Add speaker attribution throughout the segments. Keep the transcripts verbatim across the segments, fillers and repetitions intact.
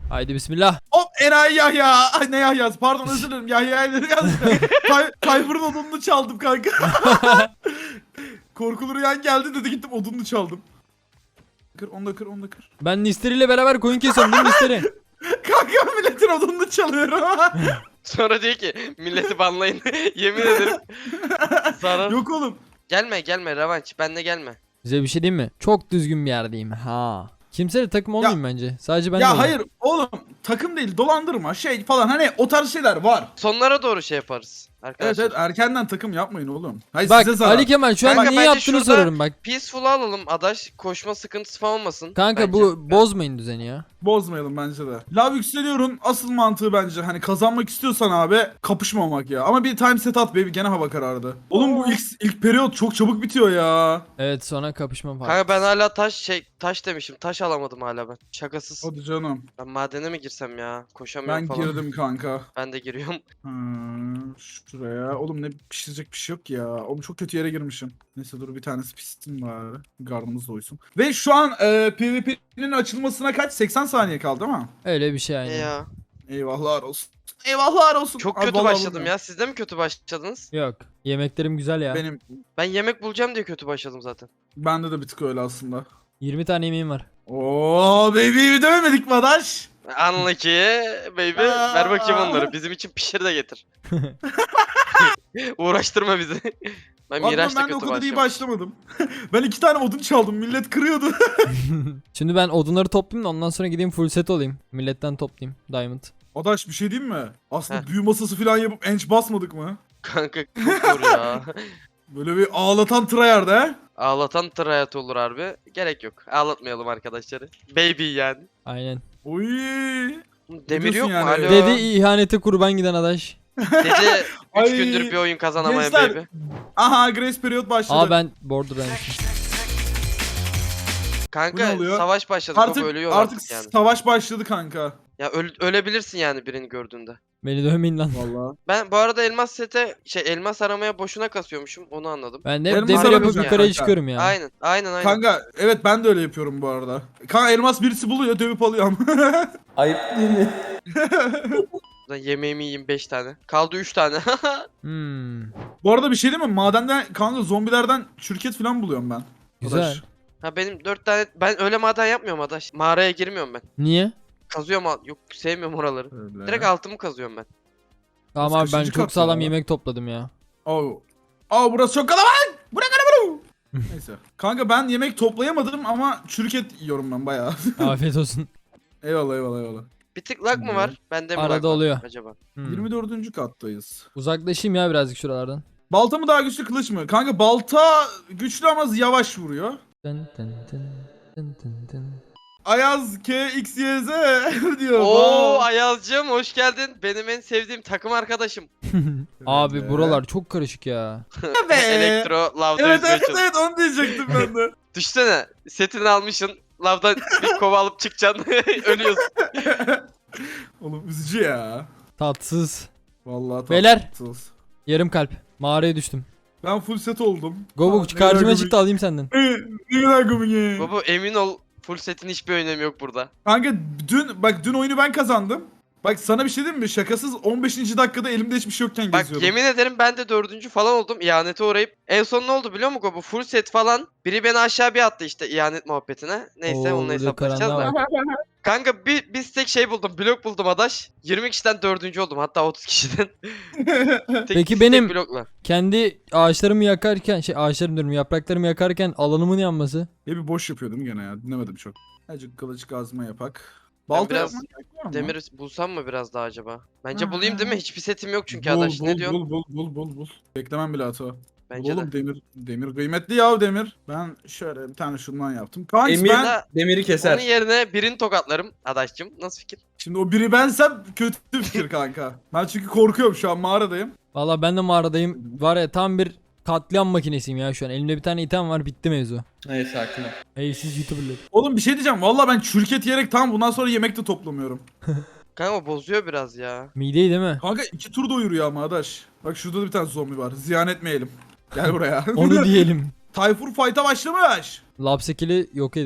Speaker 1: Haydi bismillah.
Speaker 2: Hop enayi Yahya. Ay ne Yahya'sı pardon özür dilerim Yahya'yı yazdım. Tay Tayfur'un odununu çaldım kanka. Korkulu Rüyan geldi dedi gittim odununu çaldım. Kır onu da kır onu da kır.
Speaker 1: Ben Nisteri ile beraber koyun kesiyorum değil mi Nisteri?
Speaker 2: Kanka milletin odununu çalıyorum.
Speaker 3: Sonra diyor ki milleti banlayın. Yemin ederim. Zarar.
Speaker 2: Yok oğlum.
Speaker 3: Gelme gelme revanş. Benle gelme.
Speaker 1: Size bir şey diyeyim mi? Çok düzgün bir yerdeyim. Ha. Kimseyle takım olmayayım bence. Sadece ben
Speaker 2: Ya
Speaker 1: olayım.
Speaker 2: hayır oğlum takım değil dolandırma şey falan hani o tarz şeyler var.
Speaker 3: Sonlara doğru şey yaparız.
Speaker 2: Evet
Speaker 3: Arkadaşlar.
Speaker 2: evet erkenden takım yapmayın oğlum. Hayır
Speaker 1: Bak
Speaker 2: size zarar.
Speaker 1: Ali Kemal şu an
Speaker 3: Kanka,
Speaker 1: niye
Speaker 3: bence
Speaker 1: yaptığını
Speaker 3: şurada-
Speaker 1: soruyorum bak.
Speaker 3: Peaceful'u alalım adaş. Koşma sıkıntısı falan olmasın.
Speaker 1: Kanka
Speaker 3: bence.
Speaker 1: bu bozmayın düzeni ya.
Speaker 2: Bozmayalım bence de. Lav yükseliyorun asıl mantığı bence hani kazanmak istiyorsan abi kapışmamak ya. Ama bir time set at baby gene hava karardı. Oğlum bu ilk, ilk periyot çok çabuk bitiyor ya.
Speaker 1: Evet sonra kapışma var.
Speaker 3: Kanka ben hala taş şey taş demişim. Taş alamadım hala ben. Şakasız.
Speaker 2: Hadi canım.
Speaker 3: Ben madene mi girsem ya? Koşamıyorum
Speaker 2: Ben
Speaker 3: falan.
Speaker 2: girdim kanka.
Speaker 3: Ben de giriyorum.
Speaker 2: Hmm, şuraya. Oğlum ne pişirecek bir şey yok ya. Oğlum çok kötü yere girmişim. Neyse dur bir tanesi pişsin bari. Gardımız doysun. Ve şu an e, PvP'nin açılmasına kaç? seksen saniye kaldı değil mi?
Speaker 1: Öyle bir şey
Speaker 3: E
Speaker 1: aynen.
Speaker 3: ya.
Speaker 2: Eyvahlar olsun. Eyvahlar olsun.
Speaker 3: Çok
Speaker 2: Abi
Speaker 3: kötü
Speaker 2: vallahi
Speaker 3: başladım
Speaker 2: bulmuyorum.
Speaker 3: ya. Siz de mi kötü başladınız?
Speaker 1: Yok. Yemeklerim güzel ya.
Speaker 2: Benim
Speaker 3: Ben yemek bulacağım diye kötü başladım zaten.
Speaker 2: bende de bir tık öyle aslında.
Speaker 1: yirmi tane yemeğim var.
Speaker 2: Oo baby'yi dövemedik mi adaş?
Speaker 3: Unlucky baby.
Speaker 2: Aa.
Speaker 3: Ver bakayım onları. Bizim için pişir de getir. Uğraştırma bizi. Ben
Speaker 2: Pardon
Speaker 3: Miraç'ta
Speaker 2: ben de o
Speaker 3: kötü
Speaker 2: kadar iyi
Speaker 3: başladım.
Speaker 2: başlamadım. Ben iki tane odun çaldım. Millet kırıyordu.
Speaker 1: Şimdi ben odunları toplayayım da ondan sonra gideyim full set olayım. Milletten toplayayım. Diamond.
Speaker 2: Adaş bir şey diyeyim mi? Aslında
Speaker 3: Heh.
Speaker 2: büyü masası falan yapıp enç basmadık mı?
Speaker 3: Kanka çok zor ya.
Speaker 2: Böyle bir ağlatan tryhard he?
Speaker 3: Ağlatan tır hayatı olur harbi. Gerek yok. Ağlatmayalım arkadaşları. Baby yani.
Speaker 1: Aynen.
Speaker 2: Oy.
Speaker 3: Demir
Speaker 2: diyorsun
Speaker 3: yok mu?
Speaker 2: yani?
Speaker 3: Alo.
Speaker 1: Dedi ihanete kurban giden adaş.
Speaker 3: Dedi
Speaker 2: Ay,
Speaker 3: üç gündür bir oyun kazanamayan
Speaker 2: gençler,
Speaker 3: baby.
Speaker 2: Aha Grace Period başladı.
Speaker 1: Aa ben borderlands'ım.
Speaker 2: Bu
Speaker 3: Kanka
Speaker 2: ne oluyor?
Speaker 3: savaş başladık.
Speaker 2: artık
Speaker 3: Baba ölüyor
Speaker 2: artık
Speaker 3: artık yani.
Speaker 2: savaş başladı kanka.
Speaker 3: Ya öl- ölebilirsin yani birini gördüğünde.
Speaker 1: Beni dövmeyin lan.
Speaker 2: Vallahi.
Speaker 3: Ben bu arada elmas sete şey elmas aramaya boşuna kasıyormuşum onu anladım.
Speaker 1: Ben de hep
Speaker 2: Elmas
Speaker 1: demir yapıp
Speaker 2: aramayacaksın
Speaker 1: yukarıya
Speaker 2: kanka.
Speaker 1: çıkıyorum ya.
Speaker 3: Aynen aynen aynen.
Speaker 2: Kanka evet ben de öyle yapıyorum bu arada. Kanka elmas birisi buluyor dövüp alıyorum.
Speaker 4: Ayıp değil mi?
Speaker 3: Ben yemeğimi yiyeyim beş tane. Kaldı üç tane.
Speaker 1: Hmm.
Speaker 2: Bu arada bir şey değil mi? Madenden kanka zombilerden şirket falan buluyorum ben.
Speaker 1: Güzel.
Speaker 2: Adaş.
Speaker 3: Ha benim dört tane ben öyle maden yapmıyorum adaş. Mağaraya girmiyorum ben.
Speaker 1: Niye?
Speaker 3: Kazıyorum al- yok sevmiyorum oraları.
Speaker 2: Öyle.
Speaker 3: Direkt altımı kazıyorum ben.
Speaker 1: Tamam
Speaker 2: Nasıl
Speaker 1: abi ben
Speaker 2: kaçıncı
Speaker 1: çok
Speaker 2: kat
Speaker 1: sağlam
Speaker 2: ya?
Speaker 1: yemek topladım ya.
Speaker 2: Oo. Aa burası çok kalabalık. Bırak arabayı. Neyse. Kanka ben yemek toplayamadım ama çürüket yiyorum ben bayağı.
Speaker 1: Afiyet olsun.
Speaker 2: eyvallah eyvallah eyvallah.
Speaker 3: Bir tık lag mı var? Bende mi
Speaker 1: Arada
Speaker 3: lag var
Speaker 1: oluyor.
Speaker 3: acaba?
Speaker 1: Hmm.
Speaker 2: yirmi dördüncü kattayız.
Speaker 1: Uzaklaşayım ya birazcık şuralardan.
Speaker 2: Balta mı daha güçlü kılıç mı? Kanka balta güçlü ama yavaş vuruyor.
Speaker 1: Tın tın tın, tın tın tın.
Speaker 2: Ayaz K X Y Z diyor.
Speaker 3: Oo
Speaker 2: Vay.
Speaker 3: Ayazcığım hoş geldin. Benim en sevdiğim takım arkadaşım.
Speaker 1: Abi
Speaker 2: Evet.
Speaker 1: buralar çok karışık ya.
Speaker 2: Be.
Speaker 3: Elektro lavda
Speaker 2: Evet
Speaker 3: yüzmeye
Speaker 2: evet
Speaker 3: çalış.
Speaker 2: evet onu diyecektim ben de.
Speaker 3: Düşsene setini almışsın. Lavdan bir kova alıp çıkacaksın. Ölüyorsun.
Speaker 2: Oğlum üzücü ya.
Speaker 1: Tatsız.
Speaker 2: Vallahi tatsız.
Speaker 1: Beyler. Yarım kalp. Mağaraya düştüm.
Speaker 2: Ben full set oldum.
Speaker 1: Gobu
Speaker 2: Aa,
Speaker 1: karşıma
Speaker 2: ne kadar
Speaker 1: çıktı alayım senden.
Speaker 2: komik. Ne kadar komik ya.
Speaker 3: Baba emin ol full setin hiçbir önemi yok burada.
Speaker 2: Kanka dün bak dün oyunu ben kazandım. Bak sana bir şey diyeyim mi? Şakasız on beşinci dakikada elimde hiçbir şey yokken
Speaker 3: Bak
Speaker 2: geziyordum.
Speaker 3: yemin ederim ben de dördüncü falan oldum ihanete uğrayıp. En son ne oldu biliyor musun bu full set falan. Biri beni aşağı bir attı işte ihanet muhabbetine. Neyse
Speaker 1: Oo,
Speaker 3: onunla
Speaker 1: burada
Speaker 3: hesaplaşacağız da.
Speaker 1: karanlığa
Speaker 3: Kanka bir, bir tek şey buldum blok buldum adaş. yirmi kişiden dördüncü oldum hatta otuz kişiden. Tek,
Speaker 1: Peki
Speaker 3: tek
Speaker 1: benim-
Speaker 3: blokla.
Speaker 1: Kendi ağaçlarımı yakarken şey ağaçlarım diyorum yapraklarımı yakarken alanımın yanması.
Speaker 2: Ya bir boş yapıyordum gene ya. Dinlemedim çok. Azıcık kılıç kazma yapak.
Speaker 3: Ben
Speaker 2: Balta
Speaker 3: biraz
Speaker 2: yapmak gerek var mı?
Speaker 3: Demir bulsam mı biraz daha acaba? Bence
Speaker 2: Ha.
Speaker 3: bulayım değil mi? Hiçbir setim yok çünkü
Speaker 2: bul,
Speaker 3: adaş.
Speaker 2: bul,
Speaker 3: Ne diyorsun?
Speaker 2: Bul bul bul bul bul. Beklemem bile hata.
Speaker 3: Bence
Speaker 2: Oğlum
Speaker 3: de.
Speaker 2: demir demir kıymetli ya demir. Ben şöyle bir tane şundan yaptım. Kanka
Speaker 4: Emir
Speaker 2: ben
Speaker 3: Ben-
Speaker 4: demiri keser.
Speaker 3: Onun yerine birini tokatlarım adaşcım. Nasıl fikir?
Speaker 2: şimdi o biri bensem kötü fikir kanka. Ben çünkü korkuyorum şu an mağaradayım.
Speaker 1: Valla ben de mağaradayım. Var ya tam bir katliam makinesiyim ya şu an. Elimde bir tane item var bitti mevzu.
Speaker 4: Neyse sakin ol.
Speaker 1: Evsiz youtuberlar.
Speaker 2: Oğlum bir şey diyeceğim. Valla ben çürüket yiyerek tam bundan sonra yemek de toplamıyorum.
Speaker 3: Kanka o bozuyor biraz ya.
Speaker 1: Mideyi değil mi?
Speaker 2: Kanka iki tur doyuruyor ama adaş. Bak şurada da bir tane zombi var. Ziyan etmeyelim. Gel buraya.
Speaker 1: Onu diyelim.
Speaker 2: Tayfur fight'a başlamış.
Speaker 1: Lapsekili yok ediyor.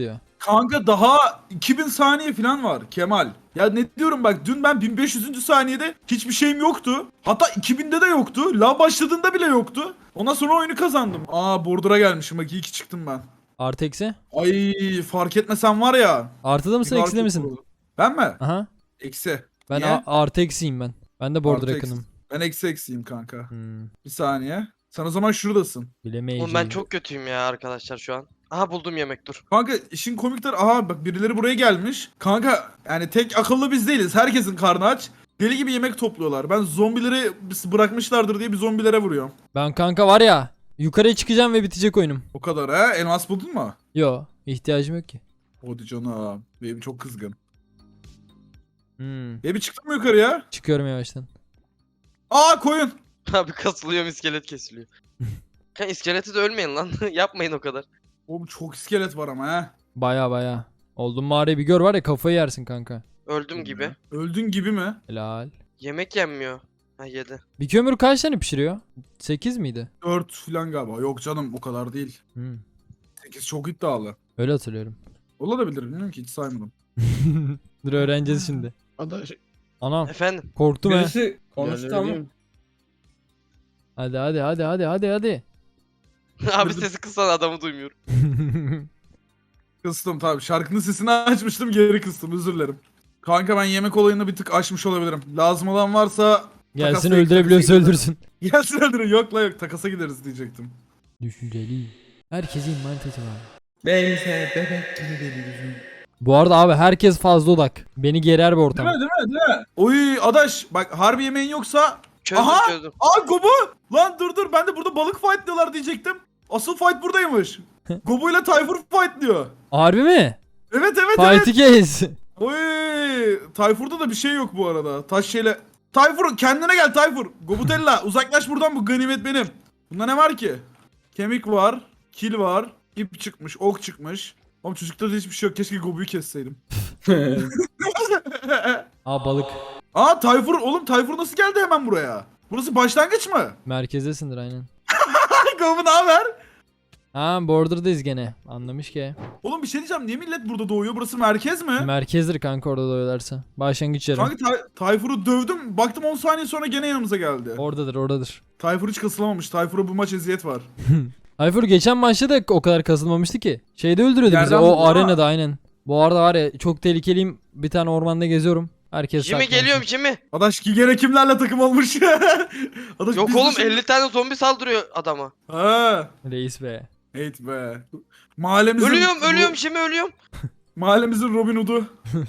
Speaker 2: Kanka daha iki bin saniye falan var Kemal. Ya ne diyorum bak, dün ben bin beş yüzüncü saniyede hiçbir şeyim yoktu. Hatta iki binde de yoktu. Lav başladığında bile yoktu. Ondan sonra oyunu kazandım. Aa border'a gelmişim bak, iyi ki çıktım ben.
Speaker 1: Artı eksi.
Speaker 2: Ay fark etmesem var ya.
Speaker 1: Artıda mısın
Speaker 2: bir
Speaker 1: ekside
Speaker 2: fark
Speaker 1: misin?
Speaker 2: olurdu. Ben mi?
Speaker 1: Aha.
Speaker 2: Eksi.
Speaker 1: Ben
Speaker 2: Niye?
Speaker 1: a- artı eksiyim ben. Ben de border
Speaker 2: Artı eksi.
Speaker 1: yakınım.
Speaker 2: Ben eksi eksiyim kanka.
Speaker 1: Hmm.
Speaker 2: Bir saniye. Sen o zaman şuradasın.
Speaker 1: Bilemeyeceğim.
Speaker 3: Oğlum ben çok kötüyüm ya arkadaşlar şu an. Aha buldum yemek dur.
Speaker 2: Kanka işin komik tarafı, aha bak birileri buraya gelmiş. Kanka yani tek akıllı biz değiliz. Herkesin karnı aç. Deli gibi yemek topluyorlar. Ben zombileri bırakmışlardır diye bir zombilere vuruyorum.
Speaker 1: Ben kanka var ya. Yukarıya çıkacağım ve bitecek oyunum.
Speaker 2: O kadar ha. Elmas buldun mu?
Speaker 1: Yo. ihtiyacım yok ki.
Speaker 2: Hadi canım. Baby çok kızgın.
Speaker 1: Hmm.
Speaker 2: Baby çıktın mı yukarıya?
Speaker 1: Çıkıyorum yavaştan.
Speaker 2: Aa koyun.
Speaker 3: Abi kasılıyorum iskelet kesiliyor. Kan iskeleti de ölmeyin lan. Yapmayın o kadar.
Speaker 2: Oğlum çok iskelet var ama ha.
Speaker 1: Baya baya. Oldum mağarayı bir gör var ya, kafayı yersin kanka.
Speaker 3: Öldüm gibi.
Speaker 2: Öldün gibi mi?
Speaker 1: Helal.
Speaker 3: Yemek yenmiyor. Ha yedi.
Speaker 1: Bir kömür kaç tane pişiriyor? sekiz miydi?
Speaker 2: dört falan galiba. Yok canım o kadar değil.
Speaker 1: Hmm.
Speaker 2: sekiz çok iddialı.
Speaker 1: Öyle hatırlıyorum.
Speaker 2: Olabilir bilmiyorum ki, hiç saymadım.
Speaker 1: Dur öğreneceğiz şimdi.
Speaker 4: Adaş.
Speaker 1: Anam
Speaker 3: Efendim.
Speaker 1: korktum he.
Speaker 4: Birisi konuştu ama.
Speaker 1: Hadi hadi hadi hadi hadi hadi.
Speaker 3: Abi sesi kıssan adamı duymuyorum.
Speaker 2: Kıstım tabii. Şarkının sesini açmıştım, geri kıstım, özür dilerim. Kanka ben yemek olayını bir tık aşmış olabilirim. Lazım olan varsa
Speaker 1: Gelsin
Speaker 2: takasla
Speaker 1: öldürebiliyorsa
Speaker 2: takasa
Speaker 1: öldürsün.
Speaker 2: gideriz. Gelsin öldürün. Yok la yok, takasa gideriz diyecektim.
Speaker 1: Düşünceli. Herkesin mantığı var.
Speaker 4: Bense bebek gibi deli.
Speaker 1: Bu arada abi herkes fazla odak. Beni gerer bir
Speaker 2: Değil
Speaker 1: ortam.
Speaker 2: mi değil mi değil mi? Oy adaş bak, harbi yemeğin yoksa.
Speaker 3: Çözdüm
Speaker 2: Aha!
Speaker 3: çözdüm.
Speaker 2: Aa Gobu! Lan dur dur, ben de burada balık fight diyorlar diyecektim. Asıl fight buradaymış. Gobu ile Tayfur fight diyor.
Speaker 1: Harbi mi?
Speaker 2: Evet evet evet.
Speaker 1: Fight'i kes.
Speaker 2: Oy Tayfur'da da bir şey yok bu arada. Taş şeyle. Tayfur kendine gel Tayfur. Gobutella uzaklaş buradan, bu ganimet benim. Bunda ne var ki? Kemik var, kil var, ip çıkmış, ok çıkmış. Oğlum çocukta da hiçbir şey yok. Keşke Gobu'yu kesseydim.
Speaker 1: Aa balık.
Speaker 2: Aa Tayfur, oğlum Tayfur nasıl geldi hemen buraya? Burası başlangıç mı?
Speaker 1: Merkezdesindir aynen.
Speaker 2: Gobu ne haber?
Speaker 1: Ha border'dayız gene. Anlamış ki.
Speaker 2: Oğlum bir şey diyeceğim. Niye millet burada doğuyor? Burası merkez mi?
Speaker 1: Merkezdir kanka orada doyularsa. Başlangıç yerim.
Speaker 2: Kanka Tay- Tayfur'u dövdüm. Baktım on saniye sonra gene yanımıza geldi.
Speaker 1: Oradadır oradadır.
Speaker 2: Tayfur hiç kasılamamış. Tayfur'a bu maç eziyet var.
Speaker 1: Ayfur geçen maçta da o kadar kasılmamıştı ki. Şeyde öldürüyordu bizi
Speaker 2: Yerden
Speaker 1: o
Speaker 2: vurdu ama.
Speaker 1: arenada aynen. Bu arada var ya çok tehlikeliyim. Bir tane ormanda geziyorum. Herkes
Speaker 3: Jimmy
Speaker 1: saklansın.
Speaker 3: geliyorum Jimmy.
Speaker 2: Adaş ki gene kimlerle takım olmuş? Adaş
Speaker 3: Yok
Speaker 2: biz
Speaker 3: oğlum
Speaker 2: dışı-
Speaker 3: elli tane zombi saldırıyor adama.
Speaker 2: Ha.
Speaker 1: Reis be.
Speaker 2: Hate be. Mahallemizin
Speaker 3: Ölüyorum
Speaker 2: Ro-
Speaker 3: ölüyorum Jimmy ölüyorum.
Speaker 2: Mahallemizin Robin Hood'u.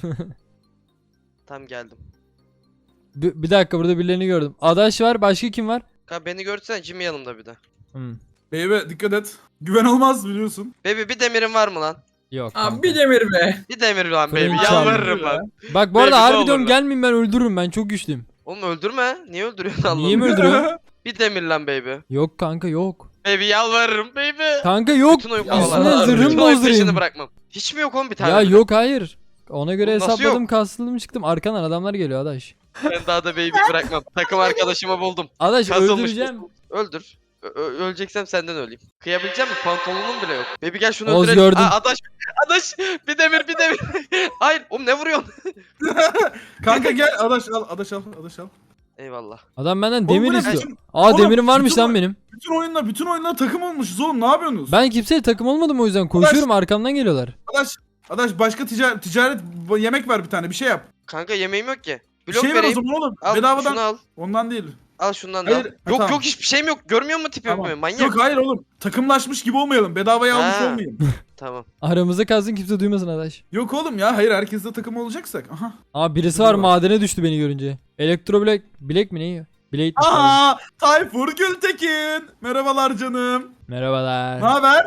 Speaker 3: Tam geldim.
Speaker 1: Bir, bir dakika burada birilerini gördüm. Adaş var, başka kim var?
Speaker 3: Kanka beni görsene Jimmy yanımda bir de.
Speaker 1: Hmm.
Speaker 2: Beybe dikkat et. Güven olmaz biliyorsun.
Speaker 3: Baby bir demirin var mı lan?
Speaker 1: Yok kanka.
Speaker 4: Abi bir demir be.
Speaker 3: Bir demir lan baby
Speaker 1: Fırın
Speaker 3: yalvarırım
Speaker 2: çaldı.
Speaker 3: lan.
Speaker 1: Bak bu arada
Speaker 3: Baby, ne
Speaker 1: harbi
Speaker 3: olur
Speaker 1: diyorum
Speaker 3: lan.
Speaker 1: gelmeyin, ben öldürürüm, ben çok güçlüyüm.
Speaker 3: Oğlum öldürme. Niye öldürüyorsun Allah'ım?
Speaker 1: Niye mi öldürüyorsun?
Speaker 3: Bir demir lan baby.
Speaker 1: Yok kanka yok.
Speaker 3: Baby yalvarırım baby.
Speaker 1: Kanka yok.
Speaker 3: Bütün oyun
Speaker 4: Ya
Speaker 1: Üstüne
Speaker 3: kovalar.
Speaker 1: zırhım
Speaker 3: Bütün oyun
Speaker 1: bozdurayım.
Speaker 3: peşini bırakmam. Hiç mi yok oğlum bir tane?
Speaker 1: Ya
Speaker 3: bile?
Speaker 1: yok hayır. Ona göre
Speaker 3: Oğlum nasıl
Speaker 1: hesapladım,
Speaker 3: yok?
Speaker 1: kastladım çıktım. Arkadan adamlar geliyor Adaş.
Speaker 3: Ben daha da baby bırakmam. Takım arkadaşımı buldum.
Speaker 1: Adaş
Speaker 3: Kasılmış.
Speaker 1: öldüreceğim.
Speaker 3: Öldür. Ö- ö- öleceksem senden öleyim. Kıyabilecek misin? Pantolonun bile yok. Baby gel şunu
Speaker 1: Oz
Speaker 3: öldürelim.
Speaker 1: gördüm.
Speaker 3: Aa, adaş. Adaş. Bir demir bir demir. Hayır. Oğlum ne vuruyorsun?
Speaker 2: Kanka gel Adaş al. Adaş al. Adaş al.
Speaker 3: Eyvallah.
Speaker 1: Adam benden
Speaker 2: Oğlum
Speaker 1: demir
Speaker 2: bu ne
Speaker 1: istiyor.
Speaker 2: biçim-
Speaker 1: Aa
Speaker 2: Oğlum,
Speaker 1: demirim varmış
Speaker 2: bütün
Speaker 1: lan
Speaker 2: o-
Speaker 1: benim.
Speaker 2: Bütün oyunla bütün oyunla takım olmuşuz oğlum. Ne yapıyorsunuz?
Speaker 1: Ben kimseye takım olmadım o yüzden. Koşuyorum, arkamdan geliyorlar.
Speaker 2: Adaş. Adaş başka ticaret, ticaret yemek ver bir tane, bir şey yap.
Speaker 3: Kanka yemeğim yok ki.
Speaker 2: Bir
Speaker 3: Blok
Speaker 2: şey ver o
Speaker 3: vereyim.
Speaker 2: zaman oğlum.
Speaker 3: Al
Speaker 2: Bedavadan.
Speaker 3: şunu al.
Speaker 2: Ondan değil.
Speaker 3: Al şundan da
Speaker 2: Hayır,
Speaker 3: al.
Speaker 2: ha,
Speaker 3: Yok
Speaker 2: tamam.
Speaker 3: yok hiçbir şeyim yok. Görmüyor musun tipimi?
Speaker 2: Tamam.
Speaker 3: Manyak.
Speaker 2: Yok hayır oğlum. Takımlaşmış gibi olmayalım. Bedavaya almış
Speaker 3: Ha.
Speaker 2: olmayayım.
Speaker 3: Tamam.
Speaker 1: Aramızda kalsın, kimse duymasın Adaş.
Speaker 2: Yok oğlum ya. Hayır herkesle takım olacaksak. Aha.
Speaker 1: Aa birisi var, madene düştü beni görünce. Elektro bilek, bilek mi ne yiyor? Bilek mi?
Speaker 2: Aha. Tayfur Gültekin. Merhabalar canım.
Speaker 1: Merhabalar.
Speaker 2: Ne haber?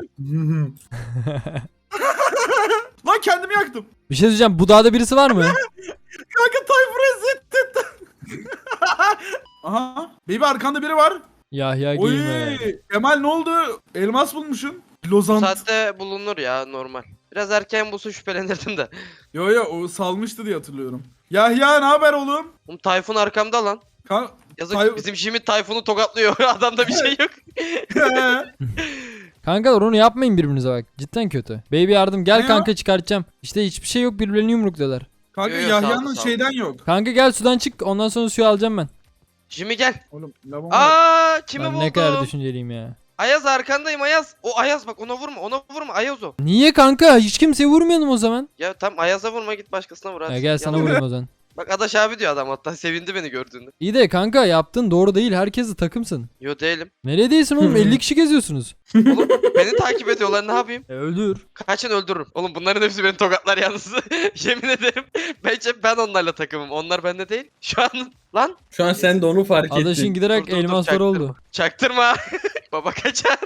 Speaker 2: Lan kendimi yaktım.
Speaker 1: Bir şey diyeceğim, bu dağda birisi var mı?
Speaker 2: Kanka Tayfur'u ezittin. Aha. Baby arkanda biri var.
Speaker 1: Yahya
Speaker 2: Oy.
Speaker 1: giyme.
Speaker 2: Kemal ne oldu? Elmas bulmuşsun.
Speaker 3: Bu
Speaker 2: Lozant.
Speaker 3: saatte bulunur ya normal. Biraz erken bulsa şüphelenirdim de.
Speaker 2: Yo yo o salmıştı diye hatırlıyorum. Yahya ne haber oğlum?
Speaker 3: Oğlum Tayfun arkamda lan.
Speaker 2: Kan
Speaker 3: Yazık
Speaker 2: Tay-
Speaker 3: bizim Jimmy Tayfun'u tokatlıyor. Adamda bir şey yok.
Speaker 1: Kankalar onu yapmayın birbirinize bak. Cidden kötü. Baby yardım gel
Speaker 2: Ne
Speaker 1: kanka çıkartacağım. İşte hiçbir şey yok birbirlerini yumrukluyorlar.
Speaker 2: Kanka
Speaker 3: Yo, yo, sağ ol,
Speaker 2: Yahya'nın
Speaker 3: sağ ol.
Speaker 2: şeyden yok.
Speaker 1: Kanka gel sudan çık ondan sonra suyu alacağım ben.
Speaker 3: Jimmy gel.
Speaker 2: Oğlum lavabo.
Speaker 3: Aa kimi
Speaker 1: Ben
Speaker 3: buldum?
Speaker 1: ne kadar düşünceliyim ya.
Speaker 3: Ayaz arkandayım Ayaz. O Ayaz bak ona vurma ona vurma Ayaz o.
Speaker 1: Niye kanka? Hiç kimseye vurmayalım o zaman.
Speaker 3: Ya tam Ayaz'a vurma git başkasına vur hadi.
Speaker 1: Ya gel sana
Speaker 3: Yalan.
Speaker 1: vurayım o zaman.
Speaker 3: Bak Adaş abi diyor adam hatta sevindi beni gördüğünde.
Speaker 1: İyi de kanka yaptın doğru değil. Herkesle takımsın.
Speaker 3: Yo değilim.
Speaker 1: Nereye değilsin oğlum? elli kişi geziyorsunuz.
Speaker 3: Oğlum beni takip ediyorlar ne yapayım?
Speaker 1: E öldür.
Speaker 3: Kaçın öldürürüm. Oğlum bunların hepsi beni tokatlar yalnız. Yemin ederim. Bence ben onlarla takımım. Onlar bende değil. Şu an lan.
Speaker 4: Şu an sen de onu fark ettin.
Speaker 1: Adaşın giderek
Speaker 3: Dur, dur, dur,
Speaker 1: elmaslar
Speaker 3: çaktırma.
Speaker 1: oldu.
Speaker 3: Çaktırma. Baba kaçar.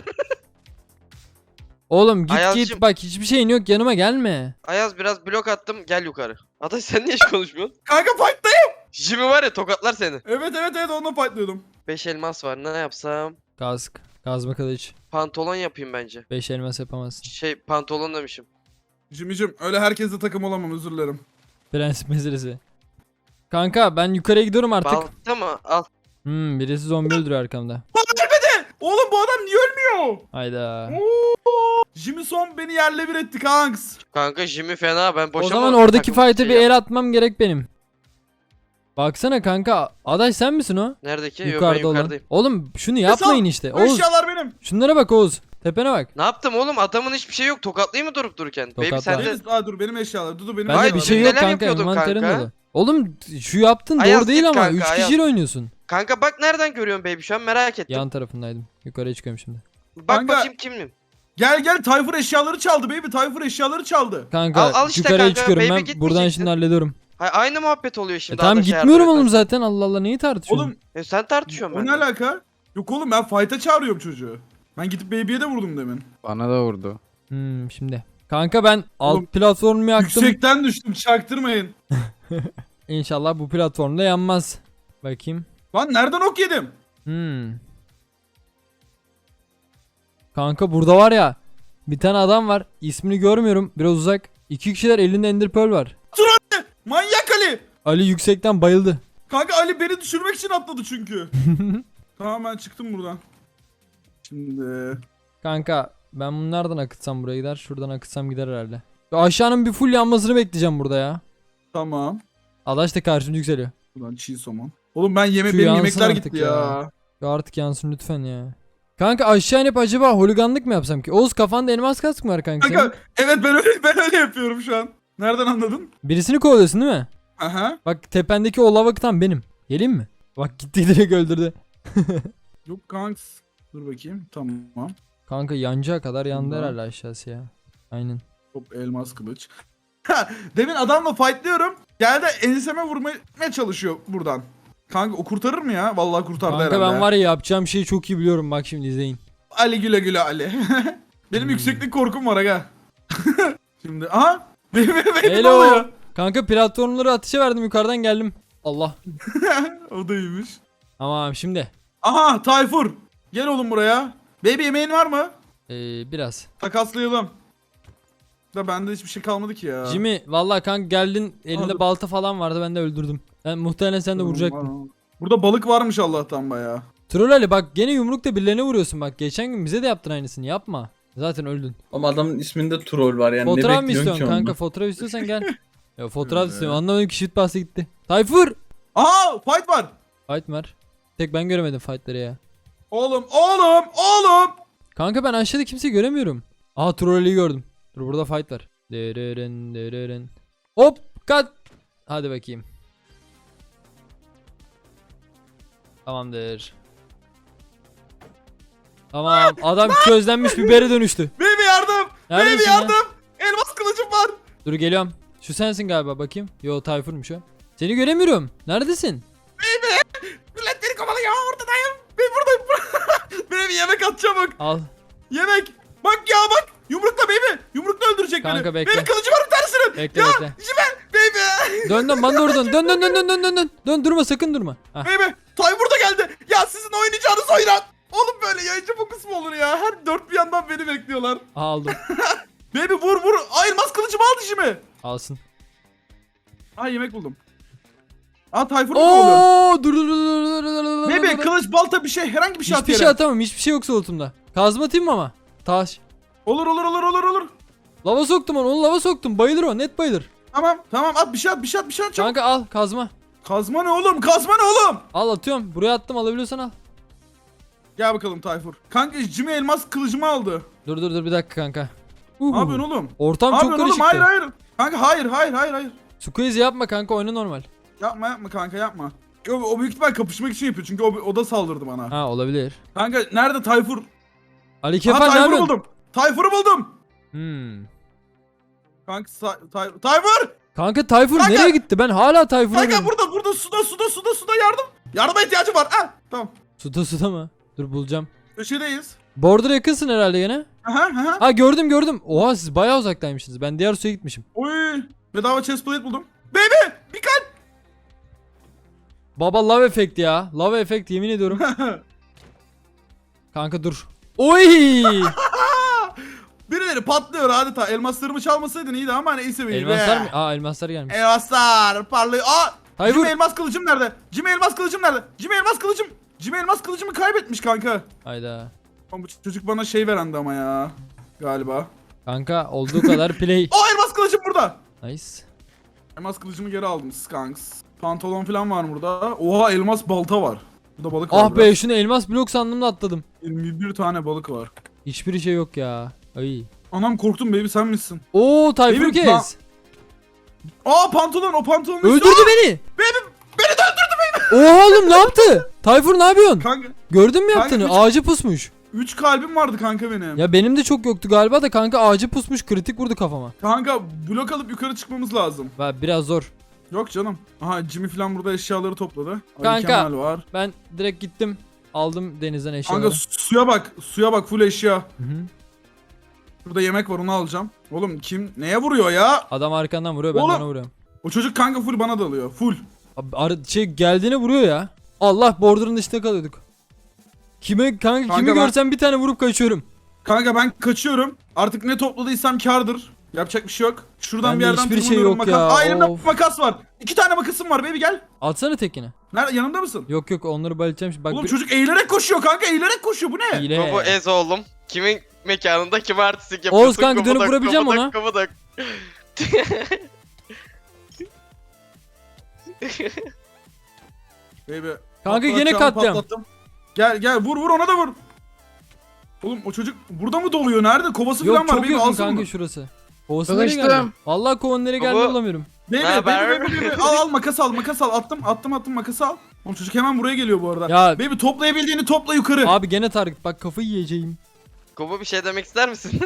Speaker 1: Oğlum git
Speaker 3: Ayazcığım.
Speaker 1: git bak hiçbir şeyin yok yanıma gelme.
Speaker 3: Ayaz biraz blok attım gel yukarı. Adaş sen niye hiç konuşmuyorsun?
Speaker 2: Kanka fight'tayım.
Speaker 3: Jimmy var ya tokatlar seni.
Speaker 2: Evet evet evet onunla fightlıyordum.
Speaker 3: beş elmas var ne yapsam?
Speaker 1: Kask. Kazma kılıç.
Speaker 3: Pantolon yapayım bence.
Speaker 1: beş elmas yapamazsın.
Speaker 3: Şey pantolon demişim.
Speaker 2: Jimmy'cim öyle herkesle takım olamam özür dilerim.
Speaker 1: Prensip meselesi. Kanka ben yukarıya gidiyorum artık.
Speaker 3: Balta mı? Al.
Speaker 1: Hmm, birisi zombi öldürüyor arkamda.
Speaker 2: Oğlum bu adam niye ölmüyor?
Speaker 1: Hayda.
Speaker 2: Oo! Jimmy son beni yerle bir etti kanks.
Speaker 3: Kanka Jimmy fena ben boşa
Speaker 1: O zaman
Speaker 3: mı
Speaker 1: oradaki
Speaker 3: takım
Speaker 1: fight'e
Speaker 3: şey
Speaker 1: bir
Speaker 3: yap-
Speaker 1: el atmam gerek benim. Baksana kanka. Adaş sen misin o?
Speaker 3: Neredeki? Yok ben
Speaker 1: Yukarıda olan.
Speaker 3: yukarıdayım.
Speaker 1: Oğlum şunu yapmayın işte.
Speaker 2: Bu
Speaker 1: Oğuz.
Speaker 2: eşyalar benim.
Speaker 1: Şunlara bak Oğuz. Tepene bak.
Speaker 3: Ne yaptım oğlum? Adamın hiçbir şey yok. Tokatlayayım mı durup dururken? Baby
Speaker 1: Tokatla.
Speaker 3: sen de...
Speaker 2: Deniz, aa dur benim eşyalar. Dudu benim
Speaker 1: Bende
Speaker 3: Hayır,
Speaker 1: bir
Speaker 2: eşyalarım.
Speaker 1: şey
Speaker 3: biz
Speaker 1: yok
Speaker 3: neler
Speaker 1: kanka.
Speaker 3: yapıyorduk
Speaker 1: Envanterin
Speaker 3: kanka?
Speaker 1: dolu. Oğlum şu yaptın
Speaker 3: Ayaz
Speaker 1: doğru değil
Speaker 3: git
Speaker 1: ama.
Speaker 3: kanka,
Speaker 1: üç
Speaker 3: Ayaz.
Speaker 1: kişiyle oynuyorsun.
Speaker 3: Kanka bak nereden görüyorsun baby şu an merak ettim.
Speaker 1: Yan tarafındaydım. Yukarıya çıkıyorum şimdi.
Speaker 3: Bak
Speaker 2: Kanka-
Speaker 3: bakayım kimim?
Speaker 2: Gel gel Tayfur eşyaları çaldı baby. Tayfur eşyaları çaldı.
Speaker 1: Kanka
Speaker 3: Al- al işte
Speaker 1: yukarıya
Speaker 3: kanka,
Speaker 1: çıkıyorum
Speaker 3: baby
Speaker 1: ben.
Speaker 3: gitmeyeceksin.
Speaker 1: Buradan şimdi hallediyorum.
Speaker 3: Ha, aynı muhabbet oluyor
Speaker 1: E
Speaker 3: şimdi.
Speaker 1: tamam
Speaker 3: Adaş'a
Speaker 1: gitmiyorum
Speaker 3: yardım
Speaker 1: oğlum
Speaker 3: edersen.
Speaker 1: zaten. Allah Allah neyi tartışıyorsun?
Speaker 2: Oğlum
Speaker 3: E, sen tartışıyorsun
Speaker 2: o ne
Speaker 3: ben.
Speaker 2: alaka? Yok oğlum ben fight'a çağırıyorum çocuğu. Ben gidip baby'ye de vurdum demin.
Speaker 5: Bana da vurdu.
Speaker 1: Hmm, şimdi. Kanka ben alt
Speaker 2: Oğlum,
Speaker 1: platformumu yaktım.
Speaker 2: Yüksekten düştüm çaktırmayın.
Speaker 1: İnşallah bu platformda yanmaz. Bakayım.
Speaker 2: Lan nereden ok yedim?
Speaker 1: Hmm. Kanka burada var ya. Bir tane adam var. İsmini görmüyorum. Biraz uzak. İki kişiler elinde Ender Pearl var.
Speaker 2: Manyak Ali.
Speaker 1: Ali yüksekten bayıldı.
Speaker 2: Kanka Ali beni düşürmek için atladı çünkü. Tamam ben çıktım buradan. Şimdi
Speaker 1: Kanka ben bunlardan akıtsam buraya gider. Şuradan akıtsam gider herhalde. Şu aşağının bir full yanmasını bekleyeceğim burada ya.
Speaker 2: tamam.
Speaker 1: Adaş da karşımda yükseliyor.
Speaker 2: Buradan çiğ somon. Oğlum ben yeme
Speaker 1: Şu
Speaker 2: benim
Speaker 1: yansın
Speaker 2: yemekler
Speaker 1: artık
Speaker 2: gitti
Speaker 1: ya.
Speaker 2: ya.
Speaker 1: Ya artık yansın lütfen ya. Kanka aşağı inip acaba holiganlık mı yapsam ki? Oğuz kafanda elmas kask mı var kanka senin?
Speaker 2: Kanka evet ben öyle ben öyle yapıyorum şu an. Nereden anladın?
Speaker 1: Birisini kovalıyorsun değil mi?
Speaker 2: Aha.
Speaker 1: Bak tependeki o lavaktan benim. Geleyim mi? Bak gitti direkt öldürdü.
Speaker 2: Yok kanks. Dur bakayım. Tamam.
Speaker 1: Kanka yanacağı kadar yandı
Speaker 2: Tamam.
Speaker 1: herhalde aşağısı ya. Aynen.
Speaker 2: Hop elmas kılıç. Ha, demin adamla fightlıyorum. Geldi enseme vurmaya çalışıyor buradan. Kanka o kurtarır mı ya? Vallahi kurtardı
Speaker 1: Kanka
Speaker 2: herhalde.
Speaker 1: ben var ya yapacağım şeyi çok iyi biliyorum. Bak şimdi izleyin.
Speaker 2: Ali güle güle Ali. Benim
Speaker 1: Hmm.
Speaker 2: yükseklik korkum var aga. Şimdi aha. Benim benim ne
Speaker 1: Hello.
Speaker 2: oluyor?
Speaker 1: Kanka platformları atışa verdim yukarıdan geldim. Allah.
Speaker 2: O da iyiymiş.
Speaker 1: Tamam şimdi.
Speaker 2: Aha Tayfur. Gel oğlum buraya. Baby yemeğin var mı?
Speaker 1: Ee, biraz.
Speaker 2: Takaslayalım. Da bende hiçbir şey kalmadı ki ya.
Speaker 1: Jimmy vallahi kanka geldin elinde
Speaker 2: Aldım.
Speaker 1: balta falan vardı ben de öldürdüm. Ben muhtemelen sen de vuracaktın.
Speaker 2: Burada balık varmış Allah'tan bayağı.
Speaker 1: Troll Ali bak gene yumrukla birilerine vuruyorsun bak. Geçen gün bize de yaptın aynısını yapma. Zaten öldün.
Speaker 4: Ama adamın isminde troll var yani
Speaker 1: Fotoğraf
Speaker 4: ne
Speaker 1: mı
Speaker 4: bekliyorsun
Speaker 1: istiyorsun
Speaker 4: ki
Speaker 1: kanka?
Speaker 4: ondan?
Speaker 1: Fotoğraf istiyorsan gel. Ya fotoğraf
Speaker 2: Evet.
Speaker 1: istiyorum. Anlamadım ki shift bastı gitti. Tayfur!
Speaker 2: Aha fight var.
Speaker 1: Fight mi var? Tek ben göremedim fightları ya.
Speaker 2: Oğlum oğlum oğlum.
Speaker 1: Kanka ben aşağıda kimseyi göremiyorum. Aha Troll Ali'yi gördüm. Dur burada fight var. Dereren dereren. Hop kat. Hadi bakayım. Tamamdır. Tamam adam közlenmiş bibere dönüştü.
Speaker 2: Baby yardım.
Speaker 1: Neredesin
Speaker 2: Baby
Speaker 1: ya?
Speaker 2: yardım. Elmas kılıcım var.
Speaker 1: Dur geliyorum. Şu sensin galiba bakayım. Yo Tayfur'muş o. Seni göremiyorum. Neredesin?
Speaker 2: Millet beni kovalıyor ortadayım. Ben buradayım. Baby yemek at çabuk.
Speaker 1: Al.
Speaker 2: Yemek. Bak ya bak. Yumrukla baby. Yumrukla öldürecek
Speaker 1: Kanka,
Speaker 2: beni.
Speaker 1: bekle.
Speaker 2: Benim kılıcım var bir tanesinin.
Speaker 1: Bekle
Speaker 2: ya
Speaker 1: bekle.
Speaker 2: Jimen. Baby.
Speaker 1: Dön dön bana doğru dön. Dön dön dön dön dön dön dön. Dön durma sakın durma. Hah.
Speaker 2: Baby. Tayfur da geldi. Ya sizin oynayacağınız oynan. Oğlum böyle yayıncı fokus mu olur ya? Her dört bir yandan beni bekliyorlar.
Speaker 1: Aha, aldım.
Speaker 2: Baby vur vur. Ay elmas kılıcımı al dişimi.
Speaker 1: Alsın.
Speaker 2: Aa yemek buldum. Aa Tayfur mu kovalıyor?
Speaker 1: Oo dur dur dur dur dur dur dur.
Speaker 2: Baby
Speaker 1: dur.
Speaker 2: kılıç balta bir şey herhangi bir şey at
Speaker 1: Hiçbir
Speaker 2: yere.
Speaker 1: şey atamam. Hiçbir şey yok solutumda. Kazma atayım mı ama? taş.
Speaker 2: Olur olur olur olur olur.
Speaker 1: Lava soktum onu. Onu lava soktum. Bayılır o. Net bayılır.
Speaker 2: Tamam tamam at bir şey at bir şey at bir şey at çabuk.
Speaker 1: Kanka al kazma.
Speaker 2: Kazma ne oğlum kazma ne oğlum?
Speaker 1: Al atıyorum. Buraya attım, alabiliyorsan al.
Speaker 2: Gel bakalım Tayfur. Kanka Jimmy elmas kılıcımı aldı.
Speaker 1: Dur dur dur bir dakika kanka.
Speaker 2: Ne yapıyorsun oğlum?
Speaker 1: Ortam
Speaker 2: Ne
Speaker 1: çok
Speaker 2: yapıyorsun
Speaker 1: karışıktı.
Speaker 2: oğlum? Hayır hayır. Kanka hayır hayır hayır hayır.
Speaker 1: Squeeze yapma kanka, oyna normal.
Speaker 2: Yapma yapma kanka yapma. O, o büyük ihtimal kapışmak için yapıyor çünkü o, o da saldırdı bana.
Speaker 1: Ha olabilir.
Speaker 2: Kanka nerede Tayfur?
Speaker 1: Ali
Speaker 2: Aha,
Speaker 1: Kefal ne
Speaker 2: Tayfur'u
Speaker 1: yapıyorsun?
Speaker 2: buldum. Tayfur'u buldum.
Speaker 1: Hmm.
Speaker 2: Kanka Tay- Tay- Tayfur!
Speaker 1: Kanka Tayfur
Speaker 2: Kanka!
Speaker 1: nereye gitti? Ben hala Tayfur'u
Speaker 2: Kanka
Speaker 1: arıyorum.
Speaker 2: burada burada suda suda suda suda yardım. Yardıma ihtiyacım var. Ha tamam.
Speaker 1: Suda suda mı? Dur bulacağım.
Speaker 2: Köşedeyiz.
Speaker 1: Border'a yakınsın herhalde gene.
Speaker 2: Aha aha.
Speaker 1: Ha gördüm gördüm. Oha siz bayağı uzaktaymışsınız. Ben diğer suya gitmişim.
Speaker 2: Oy. Bedava chest plate buldum. Baby! Bir kalp.
Speaker 1: Baba love efekt ya. Love efekt yemin ediyorum. Kanka dur. Oy!
Speaker 2: Birileri patlıyor adeta. Elmaslarımı çalmasaydın iyiydi ama neyse be.
Speaker 1: Elmaslar mı? Aa elmaslar gelmiş.
Speaker 2: Elmaslar parlıyor. Aa!
Speaker 1: Tayfur.
Speaker 2: Jimmy elmas kılıcım nerede? Jimmy elmas kılıcım nerede? Jimmy elmas kılıcım. Jimmy elmas kılıcımı kaybetmiş kanka.
Speaker 1: Hayda.
Speaker 2: Ama bu çocuk bana şey verendi ama ya. Galiba.
Speaker 1: Kanka olduğu kadar play.
Speaker 2: Aa elmas kılıcım burada.
Speaker 1: Nice.
Speaker 2: Elmas kılıcımı geri aldım skanks. Pantolon falan var burada. Oha elmas balta var. Burada balık var.
Speaker 1: Ah be şunu elmas blok sandım da atladım.
Speaker 2: yirmi bir tane balık var.
Speaker 1: Hiçbir şey yok ya. Ay.
Speaker 2: Anam korktum baby sen misin?
Speaker 1: Oo Tayfur
Speaker 2: Benim
Speaker 1: kes.
Speaker 2: pa- Aa pantolon o pantolon.
Speaker 1: Öldürdü beni.
Speaker 2: Benim beni de öldürdü.
Speaker 1: Oha oğlum ne yaptı? Tayfur ne yapıyorsun?
Speaker 2: Kanka
Speaker 1: Gördün mü
Speaker 2: Kanka,
Speaker 1: yaptığını?
Speaker 2: üç-
Speaker 1: Ağacı pusmuş.
Speaker 2: üç kalbim vardı kanka benim.
Speaker 1: Ya benim de çok yoktu galiba da kanka ağacı pusmuş, kritik vurdu kafama.
Speaker 2: Kanka blok alıp yukarı çıkmamız lazım.
Speaker 1: Va biraz zor.
Speaker 2: Yok canım. Aha Jimmy falan burada eşyaları topladı. Ali
Speaker 1: Kanka.
Speaker 2: Kemal var.
Speaker 1: Ben direkt gittim. Aldım denizden eşyaları.
Speaker 2: Kanka su- suya bak. Suya bak full eşya.
Speaker 1: Hı hı.
Speaker 2: Burada yemek var onu alacağım. Oğlum kim neye vuruyor ya?
Speaker 1: Adam arkandan vuruyor, ben de
Speaker 2: Oğlum.
Speaker 1: ona vuruyorum.
Speaker 2: O çocuk kanka full bana dalıyor. Full.
Speaker 1: Abi, ar- şey geldiğine vuruyor ya. Allah border'ın dışında kalıyorduk. Kime kanka,
Speaker 2: Kanka
Speaker 1: kimi
Speaker 2: ben-
Speaker 1: görsem bir tane vurup kaçıyorum.
Speaker 2: Kanka ben kaçıyorum. Artık ne topladıysam kardır. Yapacak bir şey yok. Şuradan
Speaker 1: Bende
Speaker 2: bir yerden
Speaker 1: hiçbir şey
Speaker 2: tırmanıyorum,
Speaker 1: yok
Speaker 2: makas.
Speaker 1: ya,
Speaker 2: Aa elimde
Speaker 1: of.
Speaker 2: makas var. İki tane makasım var baby gel.
Speaker 1: Atsana tekini.
Speaker 2: Nerede yanımda mısın?
Speaker 1: Yok yok onları bayılacağım şimdi. Bak
Speaker 2: Oğlum
Speaker 1: bir...
Speaker 2: çocuk eğilerek koşuyor kanka eğilerek koşuyor bu ne?
Speaker 1: Hile.
Speaker 3: Bu ez oğlum. Kimin mekanında kim artistik yapıyorsun?
Speaker 1: Oğuz kanka, dönüp
Speaker 3: Kıvıdak,
Speaker 1: vurabileceğim
Speaker 3: kıvıdak,
Speaker 1: ona.
Speaker 3: kıvıdak.
Speaker 2: Baby.
Speaker 1: Kanka
Speaker 2: patlat,
Speaker 1: yine
Speaker 2: çağını
Speaker 1: katliam.
Speaker 2: patlattım. Gel gel vur vur ona da vur. Oğlum o çocuk burada mı doluyor? Nerede? Kovası
Speaker 1: Yok
Speaker 2: falan var.
Speaker 1: çok
Speaker 2: Baby
Speaker 1: yakın
Speaker 2: alsana
Speaker 1: kanka
Speaker 2: bunu.
Speaker 1: şurası. Kovası nereye
Speaker 5: Tanıştım.
Speaker 1: geldi? Vallahi kovanın nereye geldiğini
Speaker 3: Baba.
Speaker 1: bulamıyorum.
Speaker 2: Baby,
Speaker 3: Ne
Speaker 2: baby,
Speaker 3: haber?
Speaker 2: baby, baby. Al al makas al makas al. Attım attım attım makas al. Oğlum çocuk hemen buraya geliyor bu arada.
Speaker 1: Ya-
Speaker 2: Baby toplayabildiğini topla yukarı.
Speaker 1: Abi gene target, bak kafayı yiyeceğim.
Speaker 3: Kobo bir şey demek ister misin?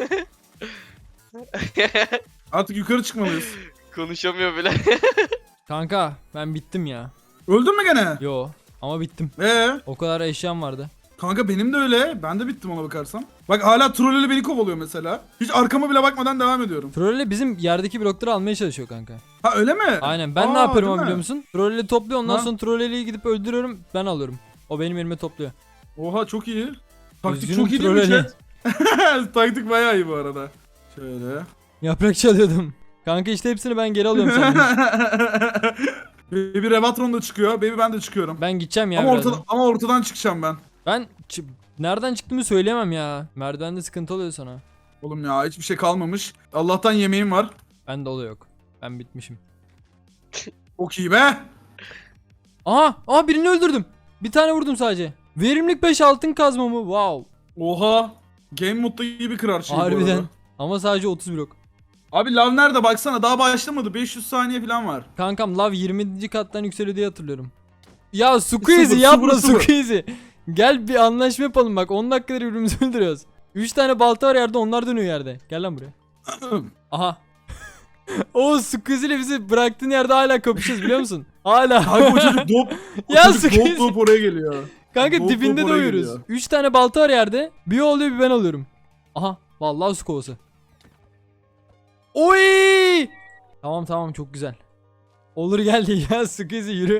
Speaker 2: Artık yukarı çıkmalıyız.
Speaker 3: Konuşamıyor bile.
Speaker 1: Kanka ben bittim ya.
Speaker 2: Öldün mü gene?
Speaker 1: Yo ama bittim.
Speaker 2: Ee,
Speaker 1: O kadar eşyam vardı.
Speaker 2: kanka benim de öyle. Ben de bittim ona bakarsam. Bak hala trollüyle beni kovalıyor mesela. Hiç arkama bile bakmadan devam ediyorum.
Speaker 1: Trolle bizim yerdeki blokları almaya çalışıyor kanka.
Speaker 2: Ha öyle mi?
Speaker 1: Aynen ben
Speaker 2: Aa,
Speaker 1: ne yapıyorum
Speaker 2: değil
Speaker 1: ama
Speaker 2: mi?
Speaker 1: biliyor musun? Trolle topluyor, ondan
Speaker 2: Ha?
Speaker 1: sonra trolleliği gidip öldürüyorum, ben alıyorum. O benim elime topluyor.
Speaker 2: Oha çok iyi. Taktik
Speaker 1: Üzgünüm
Speaker 2: çok iyi değil mi
Speaker 1: trolleli.
Speaker 2: chat? Taktik bayağı iyi bu arada. Şöyle.
Speaker 1: Yaprak çalıyordum. Kanka işte hepsini ben geri alıyorum sandım.
Speaker 2: Baby Revatron da çıkıyor. Baby ben de çıkıyorum.
Speaker 1: Ben gideceğim ya
Speaker 2: ama,
Speaker 1: birazdan.
Speaker 2: ortada, ama ortadan çıkacağım ben.
Speaker 1: Ben çı- nereden çıktığımı söyleyemem ya. Merdivende sıkıntı oluyor sana.
Speaker 2: Oğlum ya hiçbir şey kalmamış. Allah'tan yemeğim var.
Speaker 1: Bende oluyor yok. Ben bitmişim.
Speaker 2: Çok iyi be.
Speaker 1: Aha! Aha birini öldürdüm. Bir tane vurdum sadece. Verimlilik beş altın kazma mı? Wow.
Speaker 2: Oha. Game modda gibi kırar şey bu
Speaker 1: Harbiden.
Speaker 2: arada.
Speaker 1: Ama sadece otuz blok.
Speaker 2: Abi lav nerede baksana daha başlamadı. beş yüz saniye falan var.
Speaker 1: Kankam lav yirminci kattan yükseliyor diye hatırlıyorum. Ya Squeezy
Speaker 2: Sıfır,
Speaker 1: yapma
Speaker 2: sıfır, sıfır.
Speaker 1: Squeezy. Gel bir anlaşma yapalım bak, on dakikadır birbirimizi öldürüyoruz. üç tane balta var yerde, onlar dönüyor yerde. Gel lan buraya. Aha. O Squeezy ile bizi bıraktığın yerde hala kapışacağız biliyor musun? Hala.
Speaker 2: Kanka o çocuk dop. O
Speaker 1: Ya
Speaker 2: çocuk
Speaker 1: Squeezy.
Speaker 2: dop dop oraya geliyor.
Speaker 1: Kanka
Speaker 2: Dop
Speaker 1: dibinde
Speaker 2: dop oraya
Speaker 1: doyuyoruz.
Speaker 2: geliyor.
Speaker 1: üç tane balta var yerde. Bir o oluyor bir ben alıyorum. Aha. Vallahi su kovası. Oy! Tamam tamam çok güzel. Olur geldi ya Squeezy yürü.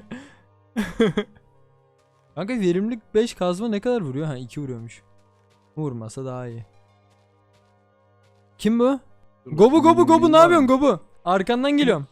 Speaker 1: Kanka verimlilik beş kazma ne kadar vuruyor? Ha iki vuruyormuş. Vurmasa daha iyi. Kim bu? Gobu gobu gobu ne yapıyorsun gobu? Arkandan geliyorum.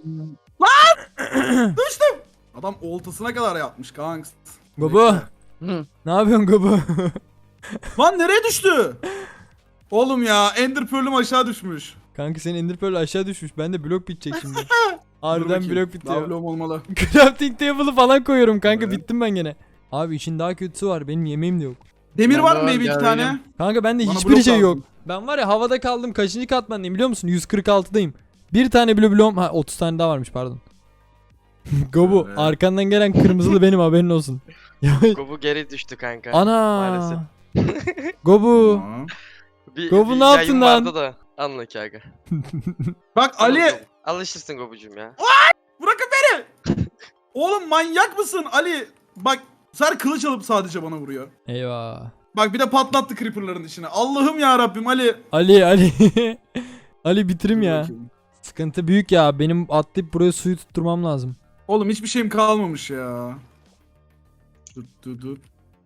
Speaker 2: Düştüm. Adam oltasına kadar yapmış kanks.
Speaker 1: Gobu.
Speaker 5: Hı.
Speaker 1: Ne yapıyorsun gobu?
Speaker 2: Lan nereye düştü? Oğlum ya Ender Pearl'üm aşağı düşmüş.
Speaker 1: Kanka senin Ender Pearl aşağı düşmüş. Ben de blok bitecek şimdi.
Speaker 2: Dur
Speaker 1: Harbiden
Speaker 2: bakayım.
Speaker 1: blok
Speaker 2: Daha
Speaker 1: bitiyor.
Speaker 2: bloğum olmalı.
Speaker 1: Crafting table'ı falan koyuyorum kanka,
Speaker 2: Evet.
Speaker 1: bittim ben gene. Abi işin daha kötüsü var, benim yemeğim de yok.
Speaker 2: Demir
Speaker 4: Ben
Speaker 2: var
Speaker 4: de
Speaker 2: mı
Speaker 4: var,
Speaker 2: baby iki
Speaker 4: gel
Speaker 2: tane?
Speaker 4: vereyim.
Speaker 1: Kanka bende
Speaker 2: Bana
Speaker 1: hiçbir
Speaker 2: blok
Speaker 1: şey yok.
Speaker 2: lazım.
Speaker 1: Ben var ya havada kaldım, kaçıncı katmandayım biliyor musun? yüz kırk altıdayım. Bir tane bile bloğum, ha otuz tane daha varmış pardon. Gobu
Speaker 2: Evet.
Speaker 1: arkandan gelen kırmızılı benim, haberin olsun.
Speaker 3: Gobu geri düştü kanka.
Speaker 1: Ana.
Speaker 3: Maalesef.
Speaker 1: Gobu.
Speaker 2: Tamam.
Speaker 3: Bir,
Speaker 1: Gobu
Speaker 3: bir
Speaker 1: ne yaptın
Speaker 3: yayın
Speaker 1: lan?
Speaker 3: vardı da. Anla ki aga.
Speaker 2: Bak Ali.
Speaker 3: Gobu. Alışırsın Gobucum ya.
Speaker 2: Bırakın beni. Oğlum manyak mısın Ali? Bak sen kılıç alıp sadece bana vuruyor.
Speaker 1: Eyvah.
Speaker 2: Bak bir de patlattı creeper'ların içine. Allah'ım ya Rabbim Ali.
Speaker 1: Ali Ali. Ali bitirim
Speaker 2: Dur
Speaker 1: ya.
Speaker 2: bakayım.
Speaker 1: Sıkıntı büyük ya. Benim atlayıp buraya suyu tutturmam lazım.
Speaker 2: Oğlum hiçbir şeyim kalmamış ya. Dur dur dur.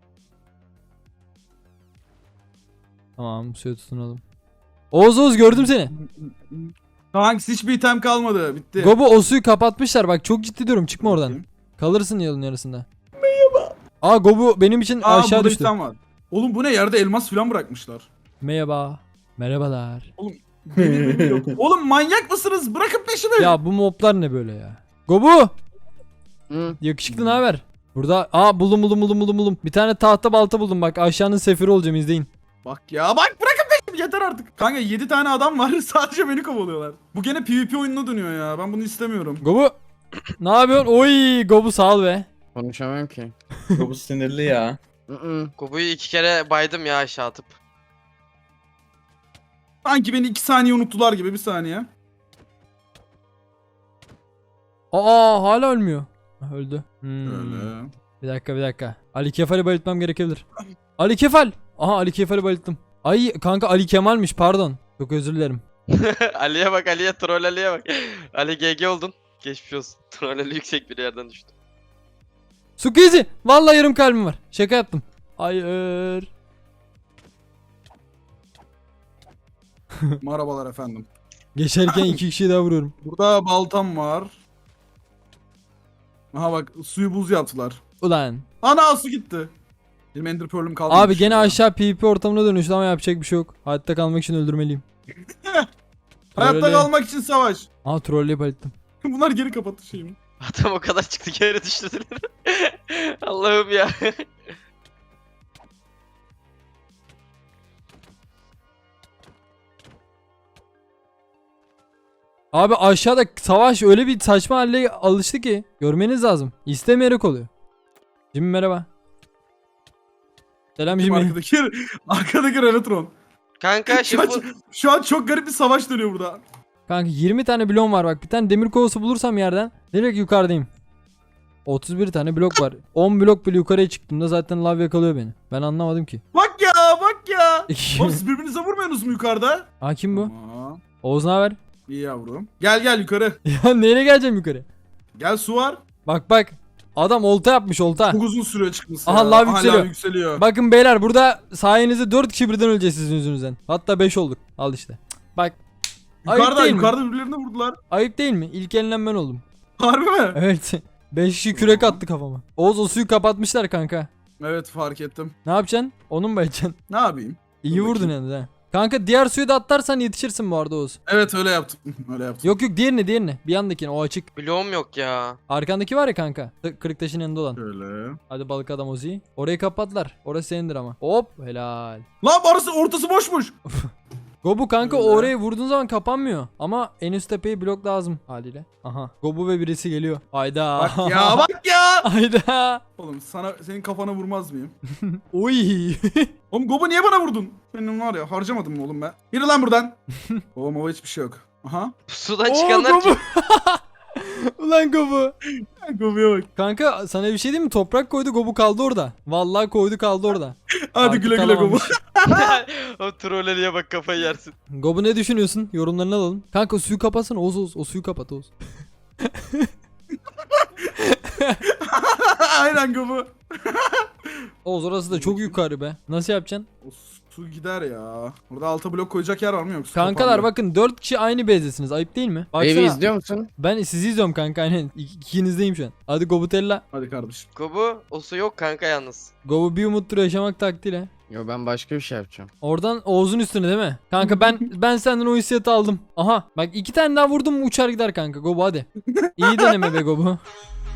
Speaker 1: Tamam, suyu tutunalım. Oğuz Oğuz gördüm seni.
Speaker 2: Hangisi hiçbir item kalmadı. Bitti.
Speaker 1: Gobu o suyu kapatmışlar, bak çok ciddi diyorum, çıkma oradan.
Speaker 2: Bakayım.
Speaker 1: Kalırsın yolun yarısında. Merhaba. Aa Gobu benim için
Speaker 2: Aa
Speaker 1: aşağı
Speaker 2: burada
Speaker 1: düştü.
Speaker 2: item var. Oğlum bu ne, yerde elmas falan bırakmışlar.
Speaker 1: Merhaba. Merhabalar.
Speaker 2: Benim yok. Oğlum manyak mısınız? Bırakın peşimi.
Speaker 1: Ya bu moblar ne böyle ya? Gobu.
Speaker 4: Hı.
Speaker 1: Yakışıklı ne haber? Burada aa buldum buldum buldum buldum buldum. Bir tane tahta balta buldum, bak aşağının sefiri olacağım, izleyin.
Speaker 2: Bak ya bak bırakın peşimi, yeter artık. Kanka yedi tane adam var sadece beni kovalıyorlar. Bu gene PvP oyununa dönüyor ya, ben bunu istemiyorum.
Speaker 1: Gobu. Ne yapıyorsun? Oy Gobu sağ ol be.
Speaker 4: Konuşamam ki. Bu sinirli ya.
Speaker 3: Gobu'yu iki kere baydım ya aşağı atıp.
Speaker 2: Sanki beni iki saniye unuttular gibi, bir saniye.
Speaker 1: Aa hala ölmüyor. Ha, öldü. Hmm.
Speaker 2: Öyle.
Speaker 1: Bir dakika bir dakika. Ali Kefal'i bayıltmam gerekebilir. Ali Kefal. Aha Ali Kefal'i bayılttım. Ay kanka Ali Kemal'miş, pardon. Çok özür dilerim.
Speaker 3: Ali'ye bak Ali'ye, troll Ali'ye bak. Ali G G oldun. Geçmiş olsun. Troll Ali yüksek bir yerden düştü.
Speaker 1: Sukizi. Vallahi yarım kalbim var. Şaka yaptım. Hayır.
Speaker 2: Merhabalar efendim.
Speaker 1: Geçerken iki kişiyi daha vuruyorum.
Speaker 2: Burada baltam var. Aha bak suyu buz yaptılar.
Speaker 1: Ulan.
Speaker 2: Ana su gitti. Benim ender pearl'üm kaldı.
Speaker 1: Abi gene aşağı PvP ortamına dönüştü ama yapacak bir şey yok. Hayatta kalmak için öldürmeliyim.
Speaker 2: Hayatta
Speaker 1: Trolle-
Speaker 2: kalmak için savaş.
Speaker 1: Aha trolleyip bayılttım.
Speaker 2: Bunlar geri kapattı şeyimi.
Speaker 3: Adam o kadar çıktı geri düştüler. Allah'ım ya.
Speaker 1: Abi aşağıda savaş öyle bir saçma hale alıştı ki. Görmeniz lazım. İstemeyerek oluyor. Jimmy merhaba. Selam
Speaker 2: Kim
Speaker 1: Jimmy.
Speaker 2: arkadaki, arkadaki Renatron.
Speaker 3: Kanka
Speaker 2: Şu an,
Speaker 3: şimdi bu...
Speaker 2: şu an çok garip bir savaş dönüyor burada.
Speaker 1: Kanka yirmi tane bloğum var bak. Bir tane demir kovası bulursam yerden direkt yukarıdayım. otuz bir tane blok var. on blok bile yukarıya çıktığımda zaten lav yakalıyor beni. Ben anlamadım ki.
Speaker 2: Bak ya bak ya. Oğlum siz birbirinize vurmuyorsunuz mu yukarıda?
Speaker 1: Ha kim bu?
Speaker 2: Tamam.
Speaker 1: Oğuz ne haber?
Speaker 2: İyi yavrum. Gel gel yukarı.
Speaker 1: Ya nereye geleceğim yukarı?
Speaker 2: Gel su var.
Speaker 1: Bak bak. Adam olta yapmış olta.
Speaker 2: Çok uzun sürüyor çıkması.
Speaker 1: Aha,
Speaker 2: ya.
Speaker 1: lav yükseliyor.
Speaker 2: yükseliyor.
Speaker 1: Bakın beyler burada sayenizde dört kişi birden öleceğiz sizin yüzünüzden. Hatta beş olduk. Al işte. Bak. Ayıp
Speaker 2: Yukarıda
Speaker 1: değil mi?
Speaker 2: yukarıda birbirlerine vurdular.
Speaker 1: Ayıp değil mi? İlk elinden ben oldum.
Speaker 2: Harbi mi?
Speaker 1: Evet. beş kişi kürek attı kafama. Oğuz o suyu kapatmışlar kanka.
Speaker 2: Evet fark ettim.
Speaker 1: Ne yapacaksın? Onu mu bayılacaksın?
Speaker 2: Ne yapayım?
Speaker 1: İyi
Speaker 2: Dur
Speaker 1: vurdun
Speaker 2: bakayım.
Speaker 1: yalnız ha. Kanka diğer suyu da atlarsan yetişirsin bu arada Oğuz.
Speaker 2: Evet öyle yaptım. Öyle yaptım.
Speaker 1: Yok yok diğerini diğerini. Bir yandakini o açık.
Speaker 3: Bloğum yok ya.
Speaker 1: Arkandaki var ya kanka. T- Kırık taşın yanında olan.
Speaker 2: Şöyle.
Speaker 1: Hadi balık adam Ozi. Orayı kapatlar. Orası senindir ama. Hop helal.
Speaker 2: Lan orası ortası boşmuş.
Speaker 1: Gobu kanka
Speaker 2: Öyle.
Speaker 1: orayı vurduğun zaman kapanmıyor. Ama en üst tepeyi blok lazım haliyle. Aha. Gobu ve birisi geliyor. Hayda.
Speaker 2: Bak ya bak ya.
Speaker 1: Hayda.
Speaker 2: Oğlum sana senin kafana vurmaz mıyım?
Speaker 1: Oy.
Speaker 2: Oğlum Gobo niye bana vurdun? Benim var ya harcamadım mı oğlum ben? Yürü lan buradan. Oğlum o hiçbir şey yok. Aha.
Speaker 3: Sudan
Speaker 1: Oo,
Speaker 3: çıkanlar
Speaker 1: Gobu.
Speaker 3: kim?
Speaker 1: Ulan Gobu.
Speaker 2: Gobo'ya bak.
Speaker 1: Kanka sana bir şey diyeyim mi? Toprak koydu Gobu kaldı orada. Vallahi koydu kaldı orada.
Speaker 2: Hadi
Speaker 1: Artık
Speaker 2: güle güle Gobo.
Speaker 1: kalamamış.
Speaker 3: O troll Ali'ye bak kafayı yersin.
Speaker 1: Gobu ne düşünüyorsun? Yorumlarını alalım. Kanka o suyu kapatsana Oğuz Oğuz. O suyu kapat Oğuz.
Speaker 2: Aynen Gobo.
Speaker 1: Oğuz orası da çok yukarı be. Nasıl yapacaksın?
Speaker 2: O su gider ya. Burada alta blok koyacak yer var mı yoksa?
Speaker 1: Kankalar
Speaker 2: kapandı.
Speaker 1: bakın dört kişi aynı bezdesiniz. Ayıp değil mi?
Speaker 4: Evi
Speaker 1: Baksana.
Speaker 4: izliyor musun?
Speaker 1: Ben sizi izliyorum kanka aynen. İk- İkinizdeyim şu an. Hadi Gobutella.
Speaker 2: Hadi kardeşim.
Speaker 3: Gobu o su yok kanka yalnız.
Speaker 1: Gobu bir umuttur yaşamak taktiğiyle.
Speaker 4: Yo ben başka bir şey yapacağım.
Speaker 1: Oradan Oğuz'un üstüne değil mi? Kanka ben ben senden o hissiyatı aldım. Aha bak iki tane daha vurdum mu uçar gider kanka Gobu hadi. İyi deneme be Gobu.